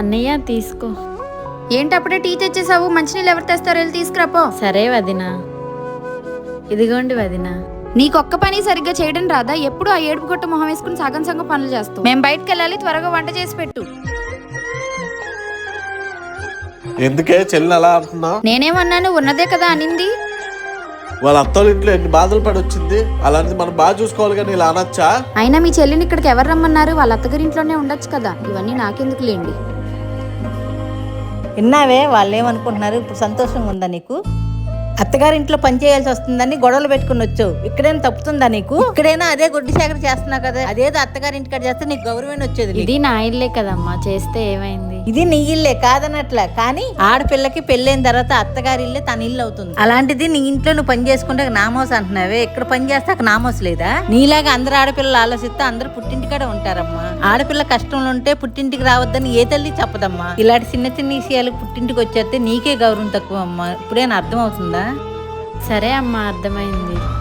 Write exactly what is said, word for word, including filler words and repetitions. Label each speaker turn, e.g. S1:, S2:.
S1: అన్నయ్య తీసుకో.
S2: ఏంటి అప్పుడే టీ తెచ్చేసావు? మంచినీళ్ళు ఎవరు తెస్తారో వెళ్ళి తీసుకురాపో.
S1: సరే వదినా. ఇదిగోండి వదినా.
S2: నీకొక్క పని సరిగ్గా చేయడం రాదా? ఎప్పుడు ఆ ఏడుపు కొట్ట మొహం వేసుకుని సగం సగం పనులు చేస్తావు. మేము బయటకు వెళ్ళాలి, త్వరగా వంట చేసి పెట్టు.
S3: ఎందుకే చెల్లిని అలా అంటున్నావు?
S2: నేనేమన్నాను? ఉన్నదే కదా అనింది.
S3: వాళ్ళ అత్తోళ్ళ ఇంట్లో ఎన్ని బాధలు పడి వచ్చింది, అలాంటిది మనం బాగా చూసుకోవాలి కానీ ఇలా అనొచ్చా?
S2: అయినా మీ చెల్లిని ఇక్కడికి ఎవరు రమ్మన్నారు? వాళ్ళ అత్తగారింట్లోనే ఉండొచ్చు కదా. ఇవన్నీ నాకెందుకు లేండి.
S4: విన్నావే వాళ్ళు ఏమనుకుంటున్నారు? ఇప్పుడు సంతోషంగా ఉందా నీకు? అత్తగారింట్లో పని చేయాల్సి వస్తుందని గొడవలు పెట్టుకుని వచ్చావు. ఇక్కడైనా తప్పుతుందా నీకు? ఇక్కడైనా అదే గొడ్డి సేకర చేస్తున్నావు కదా. అదేదో అత్తగారింటికాడ చేస్తే నీకు గౌరవం వచ్చేది.
S1: ఇది నా ఇల్లే కదమ్మా, చేస్తే ఏమైంది?
S4: ఇది నీ ఇల్లే కాదనట్లా, కానీ ఆడపిల్లకి పెళ్ళైన తర్వాత అత్తగారి ఇల్లే తన ఇల్లు అవుతుంది. అలాంటిది నీ ఇంట్లో నువ్వు పని చేసుకుంటే నామోస్ అంటున్నావే. ఇక్కడ పని చేస్తే నామోస్ లేదా? నీలాగా అందరు ఆడపిల్లలు ఆలోచిస్తే అందరు పుట్టింటికాడే ఉంటారమ్మా. ఆడపిల్ల కష్టంలో ఉంటే పుట్టింటికి రావద్దని ఏ తల్లి చెప్పదమ్మా. ఇలాంటి చిన్న చిన్న విషయాలు పుట్టింటికి వచ్చేస్తే నీకే గౌరవం తక్కువ అమ్మా. ఇప్పుడేనా అర్థం అవుతుందా?
S1: సరే అమ్మా, అర్థమైంది.